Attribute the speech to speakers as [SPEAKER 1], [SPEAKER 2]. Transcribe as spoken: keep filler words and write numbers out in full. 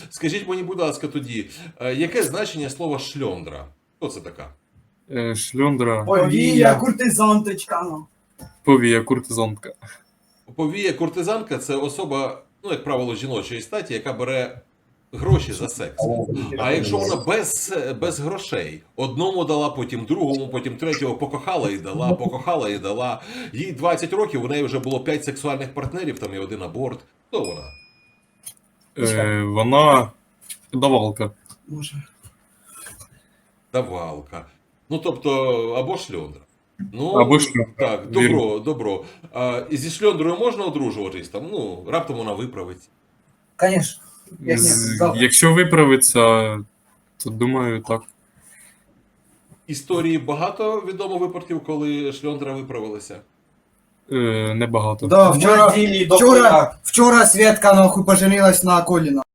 [SPEAKER 1] Скажіть мені, будь ласка, тоді, е, яке значення слова шльондра? Хто це така?
[SPEAKER 2] Е, Шльондра,
[SPEAKER 3] Повія, куртизанточка. ну.
[SPEAKER 2] повія, куртизанка.
[SPEAKER 1] Повія куртизанка це особа, ну, як правило, жіночої статі, яка бере гроші за секс. А якщо вона без, без грошей, одному дала, потім другому, потім третього покохала і дала, покохала і дала. Їй двадцять років, у неї вже було п'ять сексуальних партнерів, там і один аборт. Хто вона?
[SPEAKER 2] Е, Вона давалка.
[SPEAKER 3] Може.
[SPEAKER 1] Давалка. Ну, тобто, або шльондра. Ну,
[SPEAKER 2] Або шльондра,
[SPEAKER 1] так,
[SPEAKER 2] вірно.
[SPEAKER 1] добро, добро. А, і зі шльондрою можна одружуватись там? Ну, раптом вона виправиться.
[SPEAKER 3] Конечно. Як ні,
[SPEAKER 2] З-
[SPEAKER 3] завтра.
[SPEAKER 2] Якщо виправиться, то думаю, так.
[SPEAKER 1] Історії багато відомо випадків, коли шльондра виправилася.
[SPEAKER 2] Е, Небагато.
[SPEAKER 3] Да, вчора,
[SPEAKER 4] Неділі до
[SPEAKER 3] вчора,
[SPEAKER 4] коляк.
[SPEAKER 3] вчора Свєтка нахуй поженилась на Коліна.